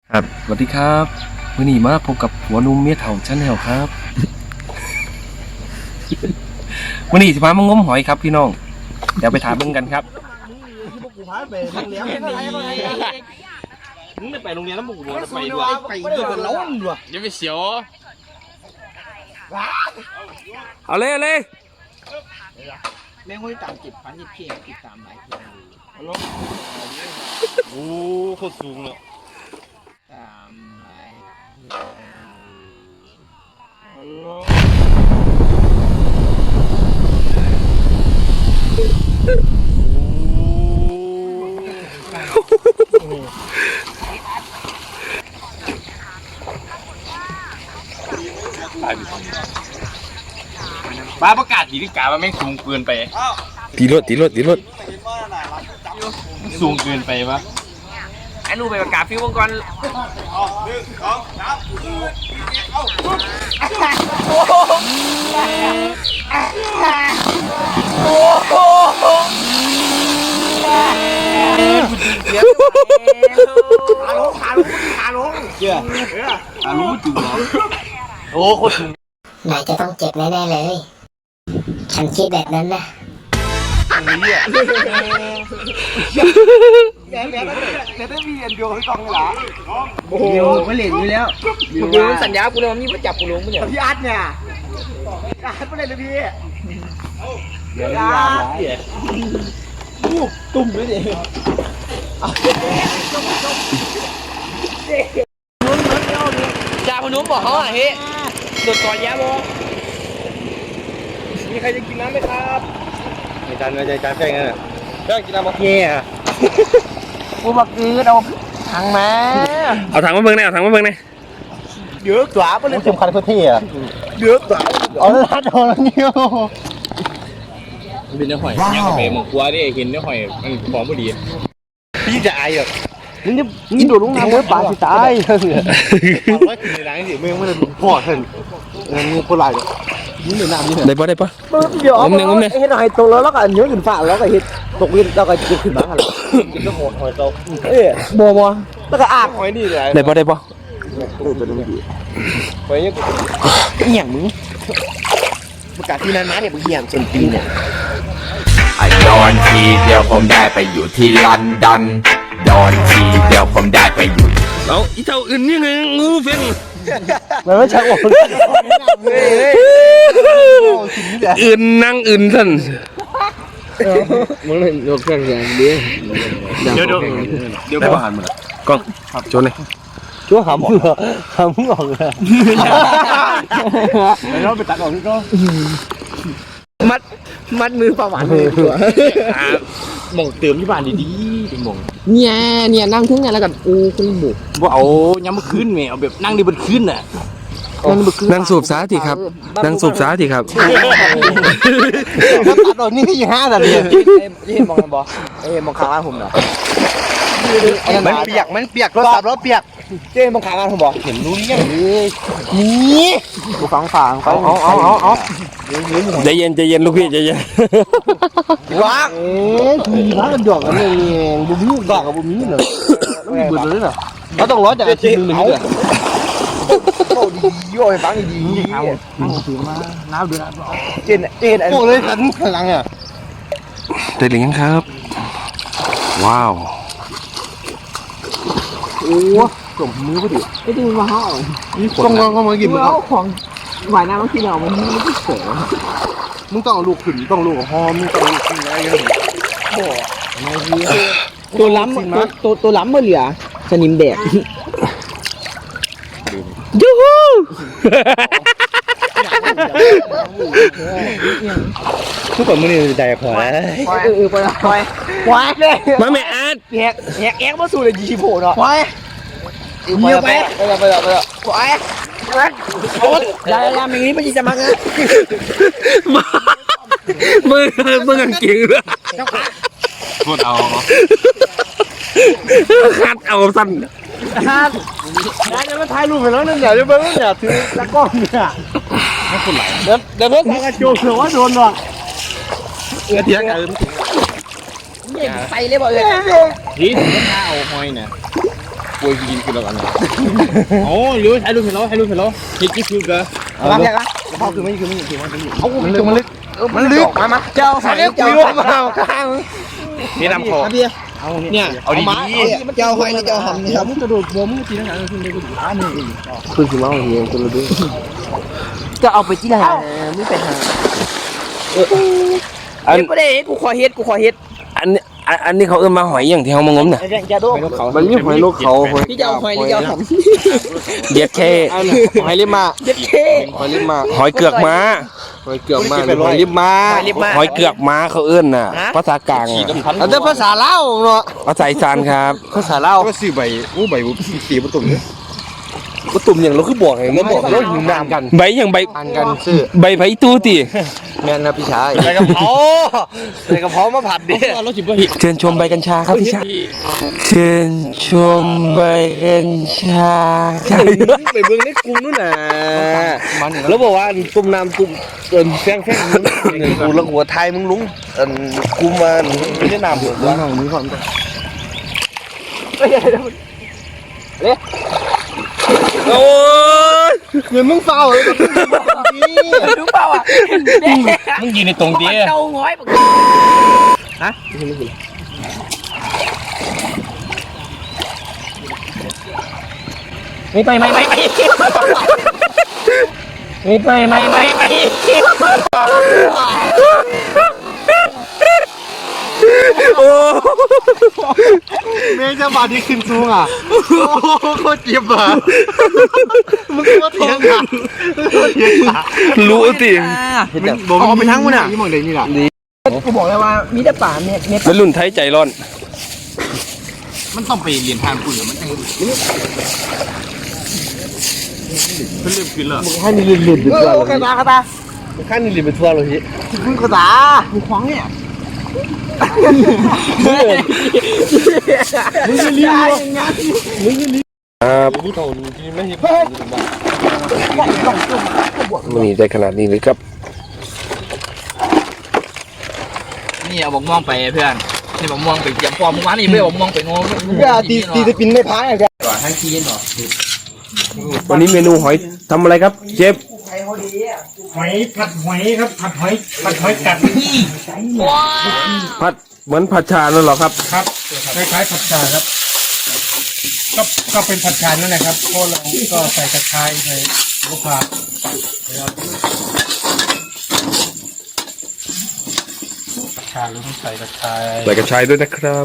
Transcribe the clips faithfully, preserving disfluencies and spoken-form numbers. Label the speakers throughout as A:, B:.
A: ครับสวัสดีครับวันนี้มาพบกับหัวนุ่มเมียเถ่าชั้นแนวครับวันนี้จะมามางมหอยครับพี่น้องเดี๋ยวไปถามเบิ่งกันครับ
B: มึงไม่ไปโรงเรียนแล้วมึงกูบอกไปด้วยไปด้วยกันล้นด้วยอย่าไปเสียว
A: เอาเลยเอาเลย
B: แม่งคนตามจิบพันจิบเพียงจิบตามหลายเพียงโอ้โคตรสูงเลยตามหลายบ้าประกาศถีที่กาว่าแม่งสูงเกินไป
A: ตีรถตีรถตีรถ
B: สูงเกินไปปะ
A: ไอ้ลูกไปประกาศฟิววงกร
B: โอ้โหขาลงขาลงขาลงเจ้าขาลงจุ๋มโอ้โคตรสูง
C: นายจะต้องเจ็บแน่ๆเลย ฉันคิดแบบนั้นนะ
B: นี่อ่ะแม่แม่แต่ได้มีอันเดียวให้กองเลยเหรอโอ้โหไม่เหล่นอยู่แล้วกูสัญญากูเลยว่ามีประจับกูลงไม่เนี่ยพี่อาร์ตเนี่ยอาร์ตไม่เล่นเลยพี่เดี๋ยวอาร์ตอู้ตุ่มด้วยดิจ่าพนุ่มบอกเขาอ่ะเฮ้โดดก่อนแย่บอมีใครจะกินน้ำไหมครับในจานในจานแค่นั้นแค่กินน้ำมะเขือกูบักกือเอาถังมา
A: เอาถังมาเบิ่งหน่อยเอาถังมาเบิ่งหน่อย
B: เยอะกว่าปะเนี่ยสำคัญเขาเท่อะเยอะกว่าอ๋อรัดเอาแล้วเนี่ยเป็นเนื้อหอยย่างกาแฟหมกกัวดิเห็นเนื้อหอยมันหอมพอดีพี่จะอายอ่ะนี่นี่โดดลงน้ำเนื้อปลาสิตายร้อยกินในร้านสิเมื่อเมื่อดูพ่อเห็นเงินงูโคตรลายเลยนี่เหนือน้ำนี่เหรอ
A: ได้ปะได้ปะ
B: เดี๋ยวเอาเห็นหอยตกแล้วแล้วก็เนื้อขึ้นฟ้าแล้วก็เห็นตกลิ้นแล้วก็จะขึ้นมาอะไรกินแล้วหอยหอยโตเอ้ยบัวบัวแล้วก็อาบหอยนี่เลย
A: ได้ปะได้ปะ
B: หอยนี่เหี้ยมึงประกาศที่นั้นนะเนี่ยมึงเหี้ยจนปีเนี่ย
D: ไอ้โดนทีเดียวผมได้ไปอยู่ที่ลอนดอนโดนทีเดียวผมได้ไปอยู่
A: เอาอีเท่าอื่นยังไงงูเฟ้น
B: มันไม่ใช่โอ้ย
A: อื่นนั่งอื่นท่าน
B: มึงเล่นยกเครื่องอย่างเดียวเดี๋ยวเดี๋ยวเดี๋ยวผ่านมา
A: กล้องโจนเลย
B: ชั่วขำเหรอขำออกเลยแล้วไปตัดออกนี่ก็มัดมัดมือประหวานเลยตัวหม่งเติมที่บ้านดีๆเป็นหม่งเนี่ยเนี่ยนั่งทุ่งเนี่ยแล้วกันอูคุณบุกว่าเอาย้ำมาขึ้นไงเอาแบบนั่งดีบนขึ้นน่ะ
A: นั่งสูบสาธิครับนั่งสูบสาธิครับ
B: ถ้าตัดออกนี่ที่ห้าแต่เดียวที่เห็นมองกันบ่เอ้มองขาบ้านผมเหรอมันเปียกมันเปียกรถตับรถเปียกเจ๊มองขาบ้านผมบอกเห็นรู้นี่ยังนี่กูฟังฟังเอาเอาเอาเอาเอา
A: ใจเย็นใจเย็นลูกพี่ใจเย็น
B: ว้าเอ๊ะมีร้านดอกกันเลยบุ้มดอกกับบุ้มนี่เลยต้องมีเบิดเลยเหรอเราต้องร้อนจากชิ้นหนึ่งเลยโอ้ดีโย่ฟังดีดีเอาถือมาน้ำเดือดเจนเจนโอ้เลยขันข้างหลังอ่ะ
A: ได้หรือยังครับว้าว
B: โอ้ส่งมือพอดีไอ้ดูมาห่อต้องลองเข้ามากินมันของหวานน้ำบางทีเรามันไม่ได้เสยมึงต้องเอาลูกขึ้นต้องลูกหอมมึงต้องลูกขึ้นอะไรอย่างเงี้ยโอ้ตัวล้ำตัวตัวตัวล้ำมาเหลือสนิมแดด
A: ยูฮู
B: ทุกคนมันนี่ใจพอแล้วเออไปไปไปเลย
A: มาแม่อาร์ต
B: แหกแหกแอกมาสู่เลยจีโผล่เนาะไปเงียบไปไปไปไปไปไปโอ๊ยยายยายอย่างนี้ไม่จะมาไง
A: มือมือกางเกงเลย
B: พูดเอา
A: คัดเอาสั้น
B: ฮะยายจะมาถ่ายรูปไปแล้วนั่นอย่าจะเบิ้งอย่าถือตะก้อนเนี่ยไม่คนไหลเดี๋ยวเดี๋ยวเพิ่งถ่ายกระโจนหรือว่าโดนหรอเออเทียงกันไปเลยบ่เอ้ยทีถึงจะเอาหอยเนี่ยป่วยกินคือแล้วกันโอ้ยรู้ให้รู้เห็นแล้วให้รู้เห็นแล้วเฮ็ดกี่คิวเด้อเอาแยกละพอคือไม่คือไม่คือมันเอามันลึกมันลึกมันลึกมามาเจ้าใส่เจ้าเอาข้างนี่นำคอเนี่ยเอาดีๆเจ้าให้เจ้าหำนี่ครับมึงกระโดดบ่มึงตีนังหาขึ้นได้กูอ่านี่คือสิมาเฮียตัวละด้วยจะเอาไปที่ไหนไม่ไปหาอันนี้ได้กูขอเฮ็ดกูขอเฮ็ด
A: อันนี้อันนี้เขาเอื้อมมาหอยอย่างที่เขามางมน่ะ
B: มันมีหอยนกเขาพี่จะเอาหอยนี่จะเอาทำ
A: เด็ดแค่
B: หอยลิมมา
A: เด็ดแค่
B: หอยลิมมา
A: หอยเกือกม้า
B: หอยเกือกม้าหอยลิมมา
A: หอยเกือกม้าเขาเอื้อนน่ะภาษากลางอ่ะ
B: อันนี้ภาษาลาวเนาะ
A: ภาษาอีสานครับ
B: ภาษาลาวก็ซื้อใบอู้ใบบุสีประตุ่มเนี่ยประตุ่มอย่างเราคือบอกไงเราบอกเราหิวน้ำกัน
A: ใบอย่างใบ
B: อันกันซื้อ
A: ใบไผ่ตู้ตี
B: แม่นครับพี่ชายใบกระเพราใบกระเพรามาผัดดิ
A: เชิญชมใบกัญชาครับพี่ชายเชิญชมใบกัญชา
B: ไปเบิ่งในกลุ่มนู่นน่ะแล้วบอกว่ากลุ่มน้ำกลุ่มเอิ้นแฟงแฟงกูละหัวไทยมึงลุงเอิ้นกลุ่มมันไม่ได้น้ำหมดแล้วมึงก่อนเฮ้ยเด้
A: โอ้ย
B: เหมือนมึงเฝ้าเลย
A: มึงเฝ้าอ่ะมึงยืนในตรงเตี้ยเจ้าง้อยฮะไม่ไปไม่ไปไม่ไปไม่ไปไม่โอ้
B: เมย์จะบาดที่ขึ้นสูงอ่ะโอ้โคตรเจ็บอ่ะมึงก็เถียงอ่ะ
A: รู้ติ
B: บอกเอาไปทั้งมันอ่ะยี่หมองเดนี่แหละ
E: กูบอกเลยว่ามีแต่ป่าเนี่ยเนี่ย
A: แล้วรุ่นไทยใจร้อน
B: มันต้องไปเรียนทางคุณเหรอมันต้องเพิ่งเริ่มกินแล้วมึงให้มีเรียนเรียนดึกแล้วกระตากระตามึงให้มีเรียนไปทั่วเลยพี่มึงกระตามึงคว้างเนี่ยมึงจะรีบมึงจะรีบ
A: ครับ
B: ผู้เฒ่าที่ไม่เห็น
A: มันนี่ได้ขนาดนี้เลยครับ
E: นี่เอาบอกม่วงไปเพื่อนนี่บอกม่วงไปเตรียมพร้อมเมื่อวานนี่ไม่บอกม่วงไปงง
B: ตีตีจะปินไม่พายอ่ะ
E: ก่อนทั้งทีนหรอ
A: วันนี้เมนูหอยทำอะไรครับเชฟ
F: หอยผัดหอยครับผัดหอยผัดหอยกัดนี่
A: ผัดเหมือนผัดชานั่นหรอครับ
F: ครับคล้ายๆผัดชาครับก็ก็เป็นผัดชานั่นแหละครับก็เราก็ใส่กระชายใส่ลูกผักผัดชาหรือต้องใส่กระชาย
A: ใส่กระชายด้วยนะครับ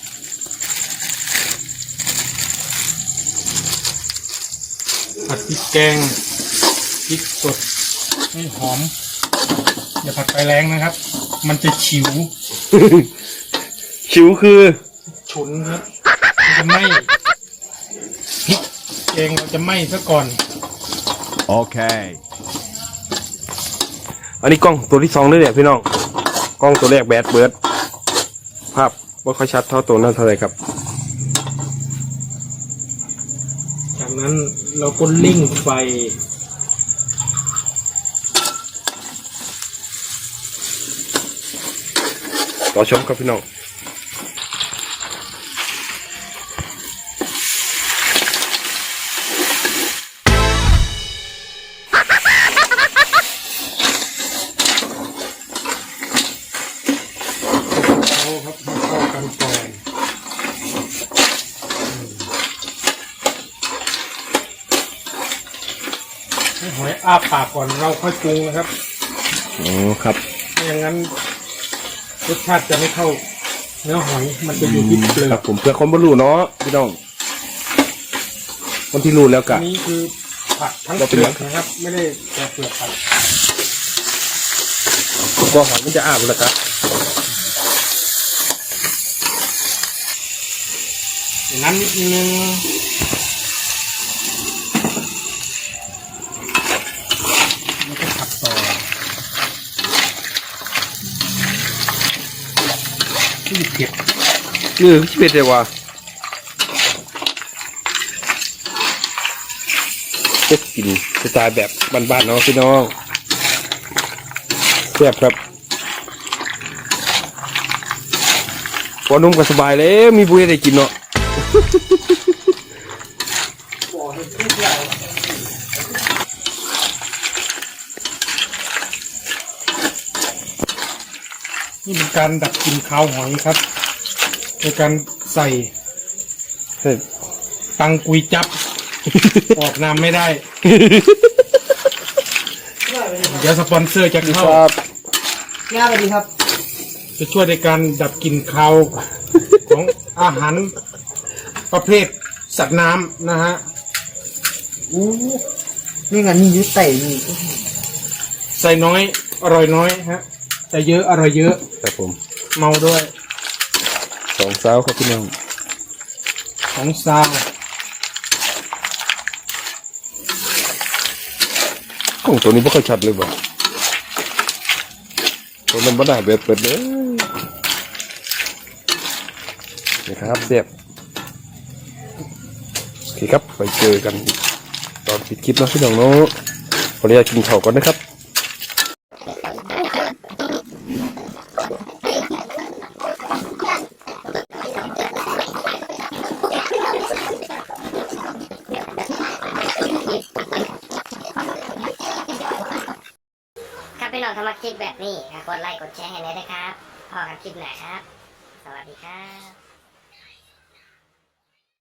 F: ผัดพริกแกงพริกสดให้หอมอย่าผัดไฟแรงนะครับมันจะฉิว
A: ฉิวคือ
F: ฉุนครับจะไหม้พริกแกงเราจะไหม้ซะก่อน
A: โอเคอันนี้กล้องตัวที่สองด้วยเนี่ยพี่น้องกล้องตัวแรกแบดเบิร์ดภาพไม่ค่อยชัดเท่าตัวนั้นเท่าไหร่ครับ
F: จากนั้นเราก็เร่งไฟ
A: ต่อชมครับพี่น้อง
F: เข้าครับเข้ากันก่อนให้หอยอ้าปากก่อนเราค่อยปรุงนะครับ
A: อ๋อครับ
F: ไม่อย่างนั้นรสชาติจะไม่เข้าเนื้อหอยมันจะอยู่ที่เปลือก
A: ผมเพื่อคนบรรลุเนาะพี่น้องคนที่รู้แล้วกัน
F: นี่คือผัดทั้งเปลือกนะครับไม่ได้แต่เปลือกผัด
A: ก็หอยมันจะอาบแล้วครับ
F: อย่างนั้นนิดนึงแล้วก็ผัดต่อที่เผ็ด
A: เออที่เผ็ดเลยว่ะพวกกินสไตล์แบบบ้านๆเนาะพี่น้องแซ่บครับพอนุ่มก็สบายเลยมีบุ้ยได้กินเนาะ
F: นี่เป็นการดับกลิ่นคาวหอยครับโดยการใส่
A: เฮ้ย
F: ตังกุยจับ ออกนามไม่ได้ เดี๋ยวสปอนเซอร์จะเข้า
A: ครับ
B: ง่ายไปดีครับ
F: จะช่วยในการดับกลิ่นคาว ของอาหารประเภทสัตว์น้ำนะฮะ
B: อู้นี่ไงนี่ยึดไต่นี่
F: ใส่น้อยอร่อยน้อยฮะแต่เยอะอร่อยเยอะ
A: ครับผม
F: เมาด้วย
A: สองสาวครับพี่น้อง
F: ของซาว
A: กล้องตัวนี้ไม่ค่อยชัดเลยบ่ตัวนั้นไม่ได้เปิดเปิดเลยนี่ครับเสียบโอเคครับไปเจอกันตอนปิดคลิปนะพี่น้องเนาะขออนุญาตกินข้าวก่อนนะครับ
C: ครับพี่น้องถ้ามาคลิปแบบนี้ก็กดไลค์กดแชร์ให้หน่อยนะครับพอกันคลิปไหนครับ สวัสดีครับ